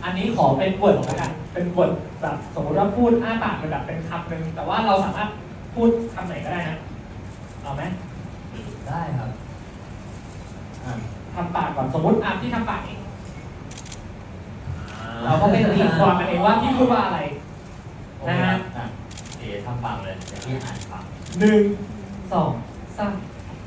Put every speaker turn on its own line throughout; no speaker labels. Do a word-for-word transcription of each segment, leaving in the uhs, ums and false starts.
อันนี้ขอเป็นบทแล้วกันเป็นบทแบบสมมติว่าพูดอ้าปากเป็นแบบเป็นคำหนึ่งแต่ว่าเราสามารถพูดคำไหนก็ได้นะเอาไหม
ได้ครับ
อ่ะทำปากก่อนสมมติอ่ะพี่ทำปากเองเราก็ไปตีความกันเองว่าพี่พูดว่าอะไรนะฮะ
อ่ะเอ๋ทำปากเลยเดี๋ยวพี่อ่านปาก
หนึ่งสองสาม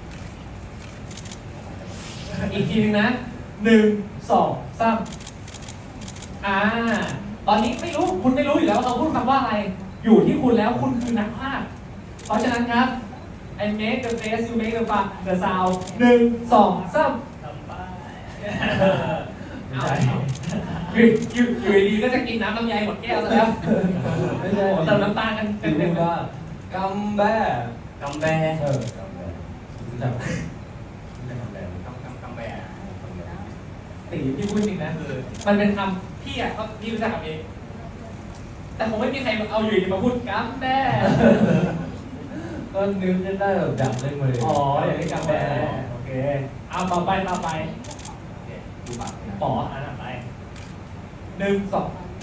อีกทีหนึงนะหนึ่งสองสามอ่าตอนนี้ไม่รู้คุณไม่รู้อยู่แล้วเราพูดคำว่าอะไร อยู่ที่คุณแล้วคุณคือนักพากย์เพราะฉะนั้นครับ I make the face you make the fun the sound หนึ่งสองสาม
ทำไป
เอาอยู่อยู่อยู่ดีๆก็จะกินน้ำลำไยหมดแก้วแล้ว
ไม่ใช่
โอ้โหเติมน้ำตาลกัน
คือ
เต็
พู
ม
ด
ๆ
ว่ากำแบ้
กำแบ
เออกำแบ้รู้จักไหมรู้จักกำแบ้ไหม
กำกำกำแบ
ตีพี่พูดจริงนะคือมันเป็นคำพี่อ่ะก็พี่รู้จักคำนี้แต่คงไม่มีใครเอาอยู่ดีมาพูดกัมแบ้
ก็นึกขึ้นได้แบบอยากเล่นมาเลย
อ๋ออย่างนี้กัมแบ้โอเคเอาต่อไปต่อไป
โอเคดูปากนะ
ป๋ออันต่อไปหนึ่งสอง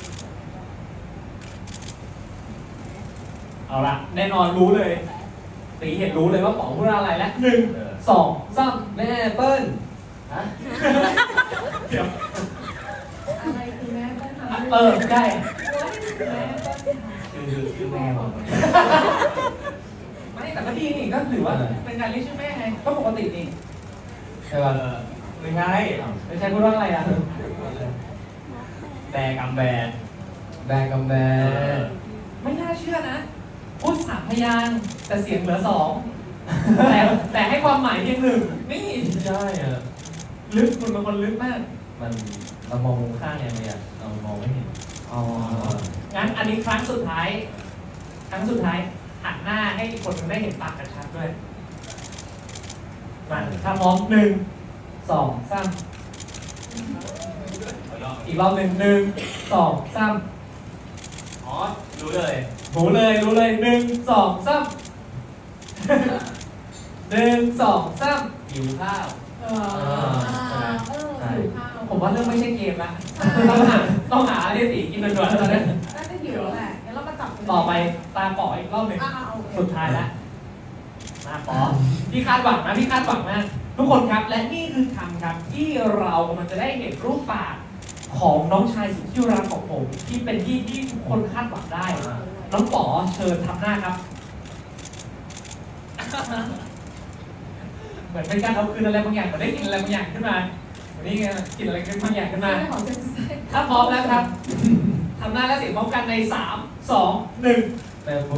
เอาละแน่นอนรู้เลยตีเห็นรู้เลยว่าป๋อพูดอะไรแล้วหนึ่งสองสาม
แม่เปิ้ลฮะ
เดี๋ยว
อะไรคือแม่ต้องทำ
เออได้
แม่ต้องท
ชื่อชื่อแม่ผม
ไม่แต่ก็ดีนี่ก็ถือว่าเป็นการเรียกชื่อแม่ไงก็ปกตินี่
ใช่
เอ
ป่ะ
อไม่ใช่
ไม่ใช่พูดว่าอะไรอ่ะ
แบกำแบ
แบกำแบ้
ไม่น่าเชื่อนะพูดสามพยางค์แต่เสียงเหลือสองแต่แต่ให้ความหมายเพียงหนึ่งนี่
ไม่ใช่อ่ะ
ลึกคุณเป็นคนลึกมาก
มันเรามองมุมข้างไงมันอ่ะเรามองไม่เห็น
อ๋องั้นอันนี้ครั้งสุดท้าย ครั้งสุดท้ายหันหน้าให้อีกคนหนึ่งได้เห็นปากกันชัดด้วยมาถ้าพร้อมหนึ่งสองสามอีกรอบหนึ่งหนึ่งสองสาม
อ๋อรู้เลย
รู้เลยรู้เลยหนึ่งสองสามหนึ่งสองสาม
หิวข้าว
ำเออเออหิวข้าว
ผมว่าเรื่องไม่ใช่เกมละต้องหาต้องหาอะไรตีกินด่วนๆแล้วตอนนี้
น่าจะหิวแหละงั้นเรามาจับ
ต่อไปตาป๋ออีกรอบหนึ่ง
อ่าโอเค
สุดท้ายแล้วมาป๋อพี่คาดหวังนะพี่คาดหวังมากทุกคนครับและนี่คือคำครับที่เรากำลังจะได้เห็นรูปปากของน้องชายสุดที่รักของผมที่เป็นที่ที่ทุกคนคาดหวังได้ น้องป๋อเชิญทำหน้าครับ เหมือนเป็นการเอาคืนอะไรบางอย่างเหมือนได้กินอะไรบางอย่างขึ้นมาวันนี้ไงกินอะไรขึ้นบางอย่างขึ้นมา
ไม่ขอเซ็นเซอร์
ถ้าพร้อมแล้วครับ ทำหน้าและเสียงพร้อมกันในสามสองหนึ่ง
แม่พู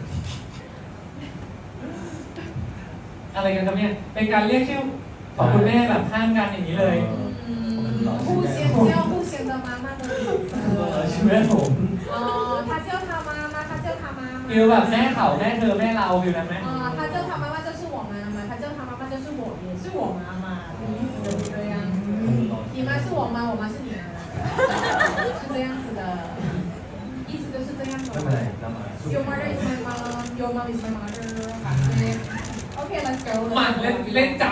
อะไรกันครับเนี่ยเป็นการเรียกชื่อของคุณแม่แบบข้ามกันอย่างนี้เลย
互相叫互相的妈妈的名
เอ
字
อชื่อแม่ผม
哦他叫他妈妈他叫他妈妈
ฟิลแบบแม่เขาแม่เธอแม่เราฟิลนั้นไหม
啊他叫他妈妈就是我妈妈他叫他妈妈就是我也是我妈妈的意思就是这样子你妈是我妈我妈是你妈是这样子的意思就是这样子
ไม่เป็นไรเรามา
Your mother is my mom. Your mom is my mother. Okay, let's go.
มาเล่นเล่นจับ